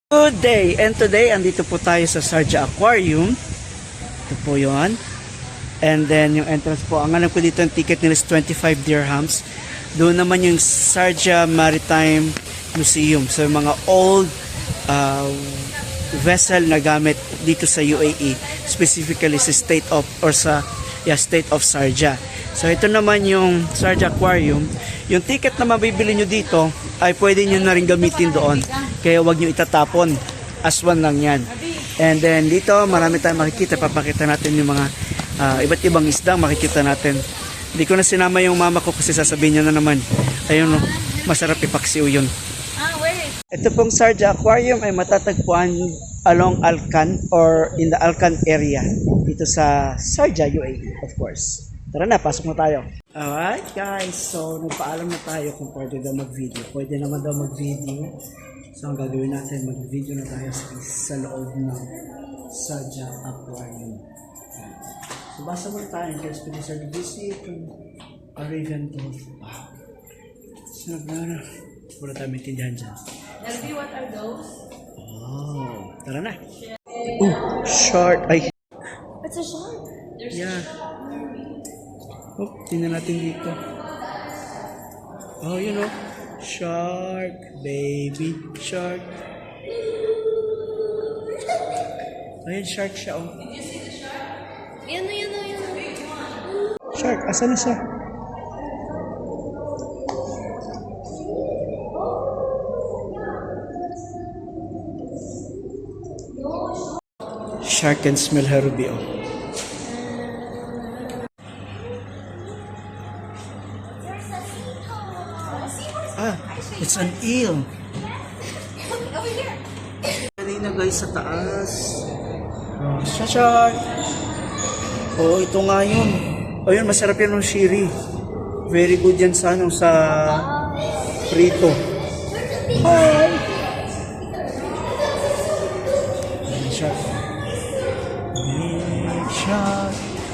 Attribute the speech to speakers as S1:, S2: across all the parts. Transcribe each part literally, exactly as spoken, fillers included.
S1: Good day! And today, andito po tayo sa Sharjah Aquarium. Ito po yun. And then, yung entrance po, ang alam ko dito, ang ticket nila is twenty-five dirhams. Doon naman yung Sharjah Maritime Museum. So, yung mga old uh, vessel na gamit dito sa U A E. Specifically sa state of, or sa yeah, state of Sharjah. So, ito naman yung Sharjah Aquarium. Yung ticket na mabibili nyo dito, ay pwede nyo na rin gamitin doon. Kaya wag nyo itatapon. Aswan lang yan. And then dito marami tayong makikita. Papakita natin yung mga uh, iba't ibang isdang makikita natin. Hindi ko na sinama yung mama ko kasi sasabihin niya na naman. Ayun no, masarap ipaksiw yun. Ito pong Sharjah Aquarium ay matatagpuan along Alcan or in the Alcan area. Dito sa Sharjah, U A E of course. Tara na, pasok na tayo. Alright guys, so nagpaalam na tayo kung pwede daw mag-video. Pwede naman daw mag-video. So ang gagawin natin, mag-video na tayo sa, sa loob ng Sharjah Aquarium. So basa muna tayo, guys, pwede sa visit Arabian Gulf. Wow. So nagmana, wala tayo maintindihan dyan.
S2: Elvie, what are those?
S1: Oh, tara na. Oh, shark. Ay.
S2: It's a shark. There's
S1: Yeah. Oh, tingnan natin dito. Oh, you know. Shark, baby shark. Ayan, shark siya, oh.
S2: Did you see the shark? Yan na, yan na, yan na.
S1: Shark, asan na siya? Shark can smell her ruby, oh. Ah, it's an eel. Kanina guys sa taas. Oh, siya shark. Oh, ito nga yun. Oh, yun, masarap yan ng shiri. Very good yan sa ano, sa prito. Hi! Ayan, shark. Big shark.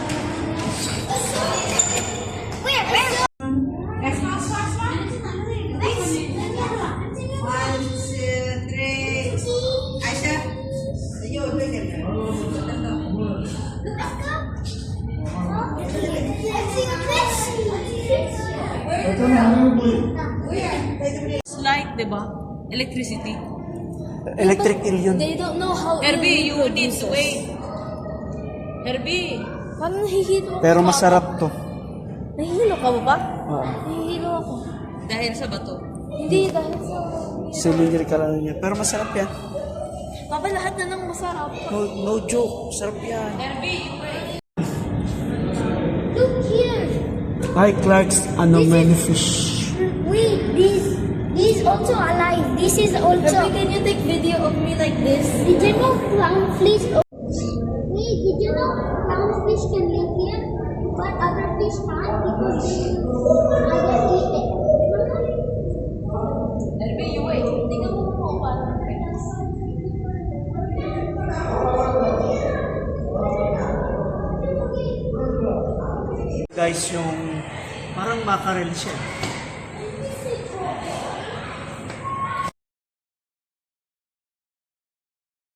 S2: Light, diba? Electricity.
S1: Electric eel yun.
S3: They don't know how
S2: Herbie,
S3: eel
S2: you need to
S3: produces.
S2: wait. Herbie.
S3: Parang nahihilo ako.
S1: Pero masarap to.
S3: Nahihilo ka ba ba?
S1: Oo.
S3: Nahihilo ako.
S2: Dahil sa bato.
S3: Hindi, dahil sa...
S1: Cylindrical ano niya. Pero masarap yan.
S3: Papa, lahat na ng masarap.
S1: No, no joke. Sarap yan.
S2: Herbie, you wait.
S3: Look here.
S1: Hi, Clark's anomaly fish.
S3: Wait, this... This is also alive. This is also... Herbie, can you take video of me like this? Did you know clownfish... Wait, did you know clownfish can live here? But other fish can't because they either eat it.
S2: Herbie, you wait.
S3: Tingnan mo po paano.
S1: Guys, yung parang mackerel siya.